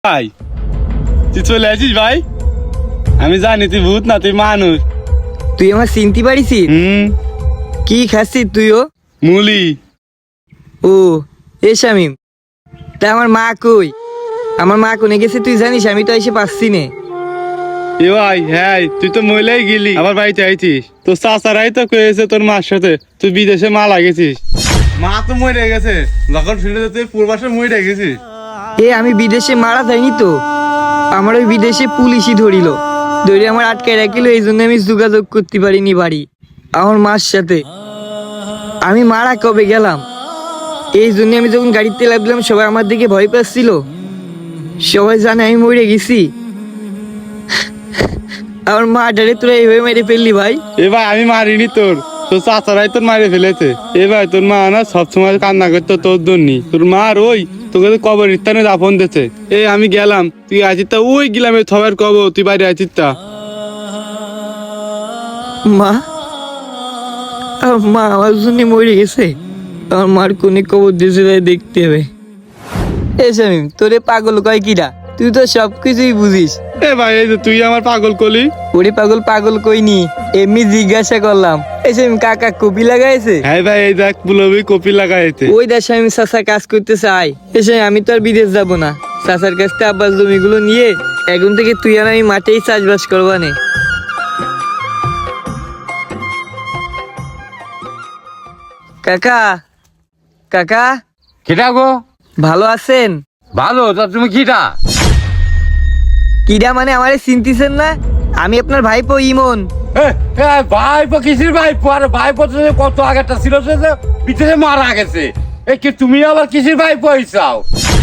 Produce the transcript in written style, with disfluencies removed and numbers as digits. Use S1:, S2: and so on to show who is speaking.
S1: ভাই তুই চলে আসিস ভাই, আমি জানি তুই ভূত না, তুই মানুষ।
S2: তুই আমার চিনতে পারিস? কি খাচ্ছিস তুইও?
S1: মুলি।
S2: ও এ শামিম, তা আমার মা কই? আমার মা কোনে গেছে তুই জানিস? আমি তো এসে পাচ্ছি নে।
S1: এ ভাই হ্যাঁ, তুই তো মহিলাই গেলি, আবার বাড়িতে আইছিস। তোর চাচারাই তো কয়েছে তোর মার সাথে তুই বিদেশে মারা গেছিস। মা তো মরে গেছে, যখন শুনে তুই পূর্বাসে মরে গেছিস।
S2: আমি বিদেশে মারা যাইনি তো, আমার ওই বিদেশে পুলিশই ধরিল, ধরে আমার আটকায় রাখিল। এই জন্য আমি যোগাযোগ করতে পারিনি বাড়ি আমার মার সাথে। আমি মারা কবে গেলাম, এই জন্য আমি যখন গাড়িতে লাগলাম সবাই আমার দিকে ভয় পাচ্ছিল। সবাই জানে আমি মরে গেছি। আমার মা ডারে তোরা এইভাবে মেরে ফেললি ভাই।
S1: এ ভাই আমি মারিনি, তোর তোর চাচারাই তোর মারে ফেলেছে। এ ভাই তোর মা না সবসময় কান্না করতো তোর জন্য। তোর মার ওই তোকে তো কবর স্থানে দাফন দিয়েছে। আমি গেলাম, তুই আছিস তা ওই গেলাম সবার কবর, তুই বাইরে আছিস তা।
S2: মা, আমার মা আমার জন্য মরে গেছে। আমার মার কোনে কবর দিয়েছে তাই দেখতে হবে। শামিম, তোরে পাগল কয় কিরা? তুই তো সবকিছুই বুঝিস।
S1: এ ভাই এই যে তুই আমার পাগল কলি।
S2: ওরে পাগল পাগল কইনি, এমনি জিজ্ঞাসা করলাম। শামিম কাকা কপি লাগাইছে?
S1: হ্যাঁ ভাই এই দেখ পুলবি কপি লাগাইছে।
S2: ওই দেখ শামিম চাচা কাজ করতে চাই। শামিম আমি তো আর বিদেশ যাব না, চাচার কাছ থেকে আব্বাস জমিগুলো নিয়ে এখন থেকে তুই আর আমি মাঠেই চাষবাস করবা নে। কাকা, কাকা
S3: কিটা গো?
S2: ভালো আছেন?
S3: ভালো, তা তুমি কিটা?
S2: কিরা মানে আমারে চিনতেছেন না? আমি আপনার ভাইপো ইমন।
S3: ভাইপো কিসির ভাইপো? আর ভাইপো তো কত আগেরটা ছিল, সে যে ভিতরে মারা গেছে। কি তুমি আবার কিসির ভাইপো হইছাও?